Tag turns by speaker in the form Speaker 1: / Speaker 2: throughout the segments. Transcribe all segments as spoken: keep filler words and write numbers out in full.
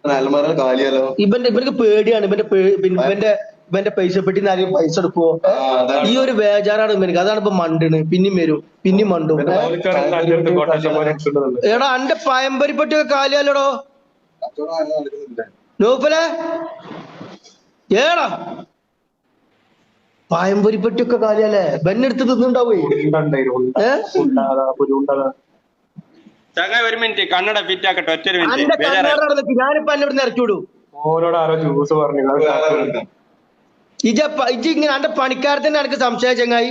Speaker 1: അലമാര കാലിയാലോ.
Speaker 2: ഇവന്റെ ഇവർക്ക് പേടിയാണ്. ഇവന്റെ ഇവന്റെ ഇവന്റെ പൈസ പെട്ടി ആരെയും പൈസ എടുക്കുവോ? ഈ ഒരു ബേജാറാണ് ഇവർക്ക്. അതാണ് ഇപ്പൊ മണ്ടിന്. പിന്നെയും വരും, പിന്നെയും മണ്ടും. എടാ അന്റെ പയമ്പരിപ്പട്ടിയൊക്കെ കാലിയാലോടോ നൗഫലെ. ഏടാ പായമ്പൊരിപ്പട്ടിയൊക്കെ കാലിയല്ലേ? ബെന്നെടുത്ത് തിന്നുണ്ടാവേ.
Speaker 3: ഒരു മിനിറ്റ് കണ്ണട ഫിറ്റ് ആക്കട്ടെ. ഒറ്റ മിനിറ്റ്
Speaker 2: ഞാനിപ്പോ എന്നോട് ഇറക്കി വിടും.
Speaker 4: ഓരോട് ആരോ ജ്യൂസ് പറഞ്ഞു
Speaker 2: ഇജ ഇജ ഇങ്ങനെ അന്റെ പണിക്കാരത്തിന്റെ എനിക്ക് സംശയ ചങ്ങായി.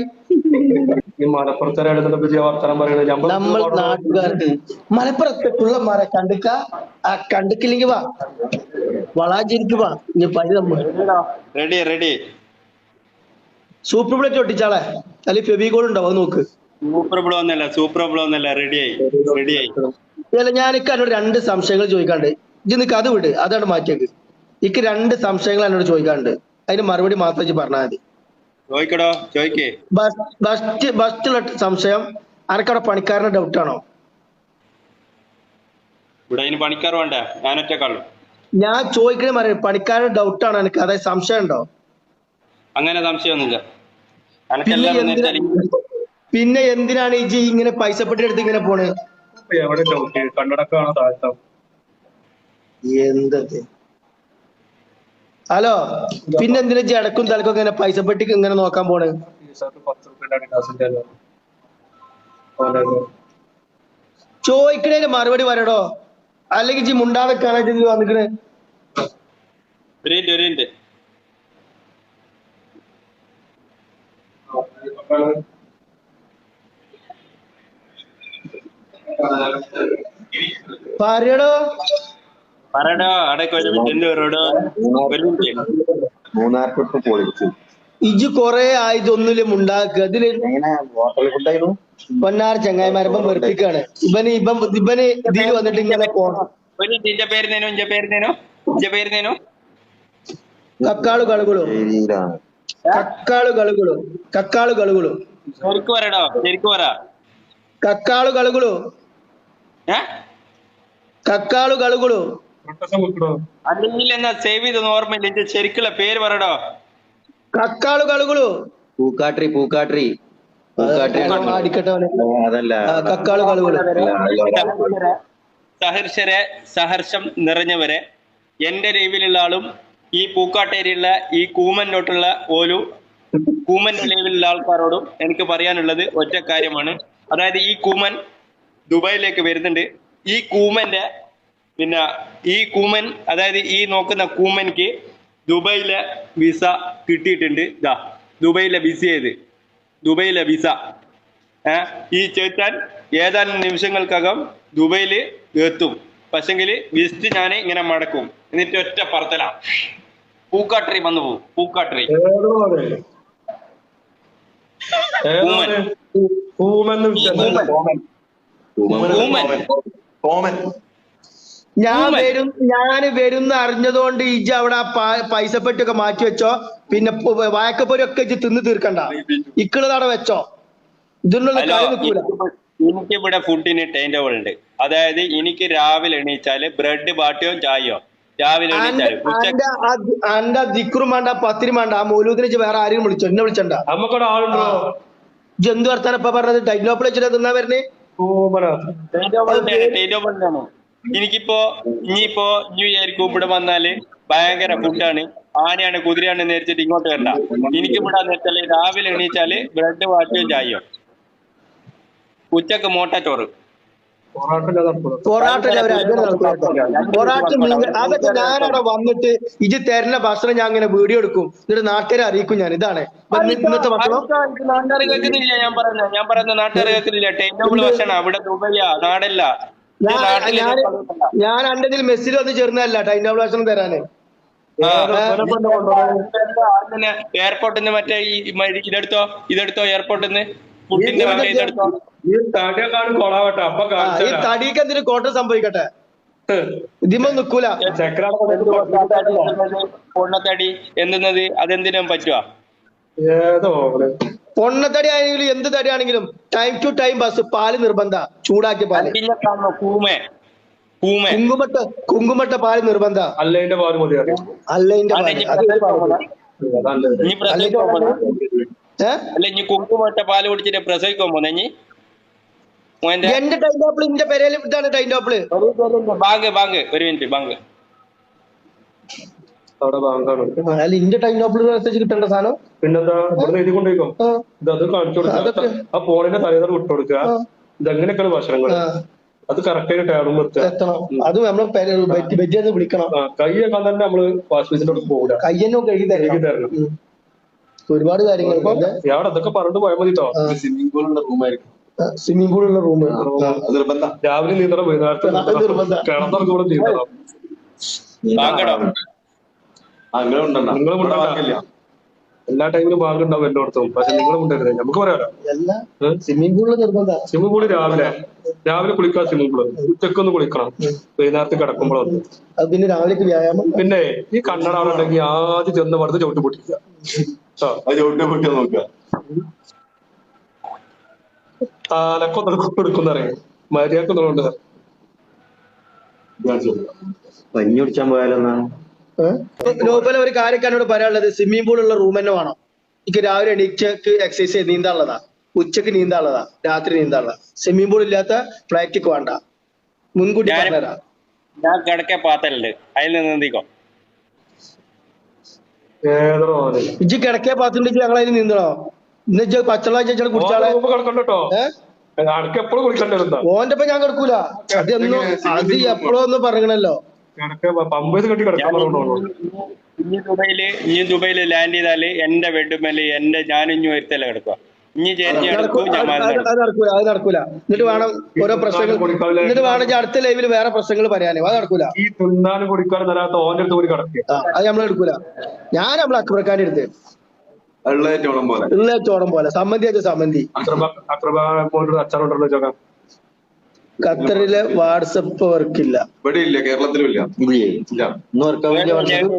Speaker 4: മലപ്പുറത്തെ
Speaker 2: നമ്മൾ നാട്ടുകാർക്ക് മലപ്പുറത്തുള്ള മര കണ്ടുക്ക ആ കണ്ടുക്കില്ലെങ്കിൽ വാ വളാഞ്ചേരിക്ക് വാ. ഇനി പനി നമ്മൾ
Speaker 3: റെഡി റെഡി
Speaker 2: സൂപ്പർ പ്ലേറ്റ് ഒട്ടിച്ചാളെ അല്ലെങ്കിൽ ഫെബികോൾ ഉണ്ടാവും നോക്ക്.
Speaker 3: സൂപ്പർ ബ്ലോ ഒന്നല്ല സൂപ്പർ ബ്ലോ ഒന്നല്ല റെഡിയായി റെഡിയായി.
Speaker 2: അല്ല ഞാനിക്ക് എന്നോട് രണ്ട് സംശയങ്ങൾ ചോദിക്കാണ്ട്. ഇജ്ജ് നിക്ക് അത് വിട്, അതാണ് മാറ്റിയേക്ക്. ഇക്ക് രണ്ട് സംശയങ്ങൾ എന്നോട് ചോദിക്കാണ്ട്. അതിന് മറുപടി മാത്രം ഇജ്ജ് പറഞ്ഞാൽ മതി.
Speaker 3: ചോദിക്കടോ ചോദിക്കേ.
Speaker 2: ഫസ്റ്റ് ഫസ്റ്റുള്ള സംശയം, അനക്കവിടെ പണിക്കാരന്റെ ഡൗട്ടാണോ?
Speaker 3: ഇവിടെ അതിന് പണിക്കാർ വേണ്ട, ഞാൻ ഒറ്റക്കാളും.
Speaker 2: ഞാൻ ചോദിക്കണേ പറയാം, പണിക്കാരന്റെ ഡൗട്ടാണോ എനിക്ക്? അതായത് സംശയം ഉണ്ടോ?
Speaker 3: അങ്ങനെ സംശയമൊന്നുമില്ല.
Speaker 2: പിന്നെ എന്തിനാണ് ഈ ഇങ്ങനെ പൈസ പെട്ടി എടുത്ത് ഇങ്ങനെ പോണ്? എന്തത് ഹലോ, പിന്നെ എന്തിനാ ജടക്കും തലക്കും ഇങ്ങനെ പൈസ പെട്ടിക്ക് ഇങ്ങനെ നോക്കാൻ പോണ്? ചോദിക്കണേന് മറുപടി പറയടോ, അല്ലെങ്കിൽ ജി മുണ്ടാതെ കാണാൻ വന്നിക്കണേ. പറയടോ
Speaker 3: പറയടോ അടക്ക ഒരു മിനിറ്റ് പറയടോ.
Speaker 1: മൂന്നാർ ട്രിപ്പ് പൊളിച്ചു.
Speaker 2: ഇജ് കൊറേ ആയതൊന്നുമില്ല മുണ്ടാക്കുക. ഇതില് പൊന്നാർ ചങ്ങായിമാരപ്പം വെറുപ്പിക്കാണ് ഇവന്. ഇപ്പം ഇവന് ഇതിൽ വന്നിട്ട് ഇങ്ങനെ പോണം. കക്കാളു കളുകളു കക്കാളു കളുകളു കക്കാളു കളുകളു
Speaker 3: ശരിക്കും പറയടോ ശരിക്കും പറ.
Speaker 2: കക്കാളു കളുകളു കക്കാളു കളുകളു
Speaker 3: അല്ലെങ്കിൽ എന്നാ സേവ് ചെയ്തൊന്നും ഓർമ്മയില്ല. ശരിക്കുള്ള പേര് പറയടോ.
Speaker 2: കക്കാളു കളുകളു
Speaker 1: പൂക്കാട്രി പൂക്കാട്രി
Speaker 2: അടിക്കട്ടെ
Speaker 1: അതല്ല
Speaker 2: കക്കാളു കളുകളു.
Speaker 3: സഹർഷരെ സഹർഷം നിറഞ്ഞവരെ, എന്റെ ലൈവിലുള്ള ആളും ഈ പൂക്കാട്ടേരിയുള്ള ഈ കൂമനോട്ടുള്ള ഓലു കൂമന്റെ ലൈവിലുള്ള ആൾക്കാരോടും എനിക്ക് പറയാനുള്ളത് ഒറ്റ കാര്യമാണ്. അതായത് ഈ കൂമൻ ദുബായിലേക്ക് വരുന്നുണ്ട്. ഈ കൂമന്റെ പിന്നെ ഈ കൂമൻ അതായത് ഈ നോക്കുന്ന കൂമൻക്ക് ദുബായിലെ വിസ കിട്ടിയിട്ടുണ്ട്. ഇതാ ദുബായിലെ വിസ ചെയ്ത് ദുബായിലെ വിസ ഏഹ് ഈ ചേത്താൻ ഏതാനും നിമിഷങ്ങൾക്കകം ദുബായിൽ എത്തും. പക്ഷെങ്കിൽ വിസിറ്റ് ഞാൻ ഇങ്ങനെ മടക്കും, എന്നിട്ട് ഒറ്റ പറത്തല പൂക്കാട്ടറി വന്നു പോകും. പൂക്കാട്ടറി
Speaker 2: ഞാൻ വരും ഞാൻ വരുന്ന അറിഞ്ഞതുകൊണ്ട് ഇജ് അവിടെ പൈസ പെട്ടിയൊക്കെ മാറ്റി വെച്ചോ. പിന്നെ വായക്കപ്പൊരി ഒക്കെ ഇജ് തിന്ന് തീർക്കണ്ട, ഇക്കുള്ളതവിടെ വെച്ചോ. ഇതിനുള്ള കാര്യം നിൽക്കൂല.
Speaker 3: എനിക്ക് ഇവിടെ ഫുഡിന് ടൈം ടേബിൾ ഉണ്ട്. അതായത് എനിക്ക് രാവിലെ എണീച്ചാല് ബ്രെഡ് ബാട്ടിയോ ചായയോ രാവിലെ എണീച്ചാല്.
Speaker 2: അന്റെ ദിക്റും വേണ്ട പത്തിരി വേണ്ട, ആ മൗലൂദിനെ വേറെ ആരെയും വിളിച്ചോ, എന്നെ വിളിച്ചണ്ട. ജന്തു വർത്താനം ഇപ്പൊ പറഞ്ഞത് ടൈനോപ്പിൾ വെച്ചിട്ട് തിന്നാ വരണേ.
Speaker 3: എനിക്കിപ്പോ ഇനിയിപ്പോ ന്യൂ ഇയർക്ക് ഇവിടെ വന്നാല് ഭയങ്കര ഫുഡാണ്. ആനയാണ് കുതിരയാണ് നേരിച്ചിട്ട് ഇങ്ങോട്ട് വരണ്ട. എനിക്ക് ഇവിടെ വെച്ചാല് രാവിലെ എണീച്ചാല് ബ്രെഡ് വാട്ടിയോ ചായയോ, ഉച്ചക്ക് മോട്ട ചോറ്,
Speaker 2: പൊറാട്ട അതൊക്കെ ഞാനവിടെ വന്നിട്ട് ഇജ് തരുന്ന ഭക്ഷണം ഞാൻ ഇങ്ങനെ വീഡിയോ എടുക്കും, എന്നിട്ട് നാട്ടുകാരെ അറിയിക്കും ഞാൻ. ഇതാണ് ഇന്നത്തെ ഭക്ഷണം.
Speaker 3: നാട്ടുകാർ കേൾക്കുന്നില്ല ഞാൻ പറയുന്നത്. ഞാൻ പറയുന്ന നാട്ടുകാർ കേൾക്കുന്നില്ല. ടൈം ടേബിൾ ഭക്ഷണം അവിടെ ദുബൈയാ, നാടല്ല.
Speaker 2: ഞാൻ എന്റെ ഇതിൽ മെസ്സിൽ വന്ന് ചേർന്നതല്ല ടൈം ടേബിൾ ഭക്ഷണം തരാന്.
Speaker 3: എയർപോർട്ടിൽ നിന്ന് മറ്റേ ഇതെടുത്തോ ഇതെടുത്തോ എയർപോർട്ടിൽ നിന്ന് ഫുഡിന്റെ മറ്റേ ഇതെടുത്തോ.
Speaker 4: ഈ
Speaker 2: തടിക്ക് എന്തിനു കോട്ടം സംഭവിക്കട്ടെ, ഇതിമ നിക്കൂല.
Speaker 3: പൊണ്ണത്തടി എന്തുന്നത് അതെന്തിനും പറ്റുവാ?
Speaker 2: പൊണ്ണത്തടി ആണെങ്കിലും എന്ത് തടി ആണെങ്കിലും ടൈം ടു ടൈം ബസ് പാല് നിർബന്ധ, ചൂടാക്കിയ പാല്.
Speaker 3: കൂമേ കൂമൻ
Speaker 2: കുങ്കുമട്ട കുങ്കുമട്ട പാല് നിർബന്ധ
Speaker 4: അല്ലതിന്റെ പാല് മതി അറിയാം.
Speaker 2: അല്ലതിന്റെ
Speaker 3: അല്ല
Speaker 2: പാല്
Speaker 3: ഇനി
Speaker 2: അത്
Speaker 3: പ്രസവിക്കാൻ പോണ?
Speaker 4: അതല്ലത്.
Speaker 3: ഇനി പ്രസവിക്കാൻ പോണ?
Speaker 2: ഏ
Speaker 3: അല്ല ഇനി കുങ്കുമട്ട പാല് കുടിച്ചിട്ട് പ്രസവിക്കാൻ പോന്നെ ഇനി മോന്റെ
Speaker 2: എന്റെ ടൈം ടോപ്പിൾ ഇന്റെ പെരയിൽ ഇതാണ് ടൈം ടോപ്പിള്.
Speaker 3: ബാങ്ക് ബാങ്ക് ഒരു മിനിറ്റ് ബാങ്ക്
Speaker 4: അവിടെ ബാങ്കാണ്.
Speaker 2: അല്ല ഇന്റെ ടൈം ടോപ്പിൾ മെസ്സേജ് കിട്ടേണ്ട സാധനം.
Speaker 4: പിന്നെന്താ ഇവിടെ എഴുതി കൊണ്ടുപോയിക്കോ.
Speaker 2: ആ,
Speaker 4: ഇത് അത് കാണിച്ചു കൊടുക്കുക.
Speaker 2: അതൊക്കെ.
Speaker 4: ആ ഫോണിന്റെ തലേന്നർ വിട്ടു കൊടുക്കുക.
Speaker 2: ആ,
Speaker 4: ഇതെങ്ങനെയൊക്കെയാണ് ഭക്ഷണങ്ങൾ
Speaker 2: ആ,
Speaker 4: അത് കറക്റ്റ് ആയിട്ട് ടേബിൾ എത്തുക.
Speaker 2: എത്തണം. അത് നമ്മള് ബെജ്ജെന്ന് വിളിക്കണം.
Speaker 4: ആ കൈയൊക്കെ തന്നെ നമ്മള് വാഷ് ബേസിന്റെ അടുത്ത് പോകൂല,
Speaker 2: കയ്യന്നോ കഴുകി
Speaker 4: കഴുകി
Speaker 2: തരണം.
Speaker 4: തരണം.
Speaker 2: ഉം. ഒരുപാട് കാര്യങ്ങൾ
Speaker 4: ഞാൻ അതൊക്കെ പറഞ്ഞിട്ട് പോയാൽ മതി കേട്ടോ.
Speaker 1: സ്വിമ്മിംഗ് പൂളിന്റെ റൂമായിരിക്കും
Speaker 2: സ്വിമ്മിംഗ് പൂൾ ഉള്ള റൂം
Speaker 1: നിർബന്ധ.
Speaker 4: രാവിലെ നീന്തണം, വൈകുന്നേരത്തെ
Speaker 2: അത് നിർബന്ധം.
Speaker 4: കിടന്നിറങ്ങി കൂടെ നീന്തണം.
Speaker 3: ബാങ്കടോ
Speaker 1: അങ്ങനെ ഉണ്ടല്ലോ.
Speaker 4: നിങ്ങൾ കൊണ്ടില്ല എല്ലാ ടൈമിലും ബാങ്ക് ഉണ്ടാവും എല്ലായിടത്തും. പക്ഷെ നിങ്ങൾ കൊണ്ടുവരുന്നത് നമുക്ക് പറയാലോ.
Speaker 2: എല്ലാ സ്വിമ്മിംഗ് പൂളിൽ നിർബന്ധ.
Speaker 4: സ്വിമ്മിംഗ് പൂള് രാവിലെ രാവിലെ കുളിക്കാൻ സ്വിമ്മിംഗ് പൂള് ഉച്ചക്കൊന്ന് കുളിക്കണം, വൈകുന്നേരത്ത് കിടക്കുമ്പോഴൊന്ന്.
Speaker 2: അത് പിന്നെ രാവിലേക്ക് വ്യായാമം.
Speaker 4: പിന്നെ ഈ കണ്ണട അവിടെ ഉണ്ടെങ്കിൽ ആദ്യം ചെന്ന് പടുത്ത് ചവിട്ടി പൊട്ടിക്കുക.
Speaker 1: അത് ചവിട്ടി പൊട്ടി നോക്കുക.
Speaker 4: താലക്കൊന്നും കൊടുക്കുന്നറിയാം മര്യാദക്കൊന്നുണ്ട്.
Speaker 1: പഞ്ഞി കുടിച്ചാൻ പോയാലെന്നാണ്.
Speaker 2: നോബല ഒരു കാര്യമൊക്കെ എന്നോട് പറയാനുള്ളത്, സ്വിമ്മിംഗ് പൂൾ ഉള്ള റൂം തന്നെ വേണം. എനിക്ക് രാവിലെ എണീച്ചക്ക് എക്സസൈസ് നീന്താനുള്ളതാ, ഉച്ചക്ക് നീന്താനുള്ളതാ, രാത്രി നീന്താനുള്ളതാ. സ്വിമ്മിംഗ് പൂൾ ഇല്ലാത്ത ഫ്ലൈറ്റിക്ക് വേണ്ട, മുൻകൂട്ടി പറഞ്ഞുതരാം.
Speaker 3: ഞാൻ കിടക്കെ പാത്തലുണ്ട്, അതിൽ നിന്ന് നീക്കോ.
Speaker 4: ഏതോ
Speaker 2: ഇജ്ജ് കിടക്കേ പാത്തുണ്ടെങ്കിൽ ഞങ്ങൾ അതിന് നീന്തണോ? ഇന്ന് പച്ചവെള്ളം ചേച്ചാൽ കുടിച്ചാളെ
Speaker 4: കിടക്കണ്ടോ. അനക്ക് എപ്പോഴും കുളിക്കണ്ടായിരുന്ന
Speaker 2: ഓന്റെ ഒപ്പം ഞാൻ കിടക്കൂല. അതൊന്നും അത് എപ്പോഴും ഒന്നും പറയണല്ലോ.
Speaker 4: പമ്പേത് കെട്ടി കിടക്കാൻ പറഞ്ഞോളൂ.
Speaker 3: ഇനി ദുബൈയില് ഇനി ദുബൈയില് ലാൻഡ് ചെയ്താല് എന്റെ ബെഡ്മേല് എന്റെ ഞാനും ഇനി ഒരുത്തല്ല കിടക്കുക. ഇനി ചേച്ചി കിടക്കും, ഞാൻ
Speaker 2: അത് നടക്കൂല, അത് നടക്കൂല. എന്നിട്ട് വേണം ഓരോ പ്രശ്നങ്ങൾ, എന്നിട്ട് വേണം അടുത്ത ലൈവില് വേറെ പ്രശ്നങ്ങൾ പറയാനേ. അത് നടക്കൂല.
Speaker 4: ഈ തിന്നാനും കുടിക്കാനും തരാത്ത ഓന്റെ അടുത്ത് കൂടി കിടക്കുക.
Speaker 2: അത് നമ്മൾ എടുക്കൂല. ഞാൻ നമ്മളെ അക്ബർഖാന്റെ അടുത്ത്
Speaker 1: വെള്ളേറ്റോളം പോലെ
Speaker 2: ഉള്ള ചോടം പോലെ സമ്മതി ആച്ച സമ്മതി.
Speaker 4: അച്ചാറുണ്ടല്ലോ ചോക്കാം.
Speaker 2: ഖത്തറിലെ വാട്സപ്പ് വർക്ക് ഇല്ല.
Speaker 1: ഇവിടെ ഇല്ല, കേരളത്തിലും ഇല്ല. ഇല്ല.
Speaker 2: ഇന്ന് വർക്കാൻ വേണ്ടി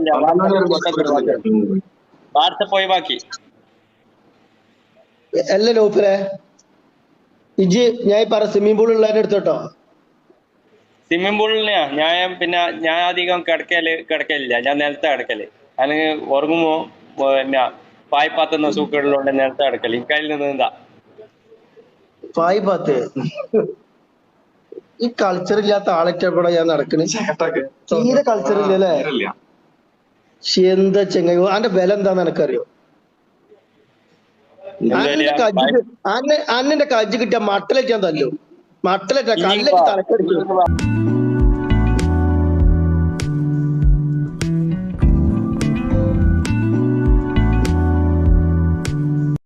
Speaker 3: വാട്സപ്പ് ഒഴിവാക്കി.
Speaker 2: അല്ല ലോഫിലെ ഇജ് ഞാൻ പറ സ്വിമ്മിംഗ് പൂൾ ഉള്ളതിന്റെ അടുത്തോട്ടോ.
Speaker 3: സ്വിമ്മിംഗ് പൂളിന് ഞാൻ പിന്നെ ഞാൻ അധികം കിടക്കല് കിടക്കലില്ല, ഞാൻ നിലത്ത് കിടക്കല്. അല്ലെങ്കിൽ ഉറങ്ങുമ്പോ പിന്നെ പായ്പാത്തുന്ന സൂക്കുകളിലുണ്ട് നിലത്ത് കിടക്കല്. എനിക്കതിൽ നിന്ന് എന്താ
Speaker 2: പായ്പാത്ത് ഈ കൾച്ചർ ഇല്ലാത്ത ആളെറ്റപ്പെടാ ഞാൻ നടക്കണേ. തീരെ കൾച്ചർ ഇല്ലല്ലേ? എന്താ ചെങ്ങ അന്റെ ബലം എന്താന്ന് എനിക്കറിയോ? അന്നെ കജ്ജ് അന്നെ അന്നെ കജ്ജ് കിട്ടിയ മട്ടലേറ്റ് ഞാൻ തല്ലു. മട്ടലേറ്റ കല്ലേക്ക് തലക്കടിക്കും.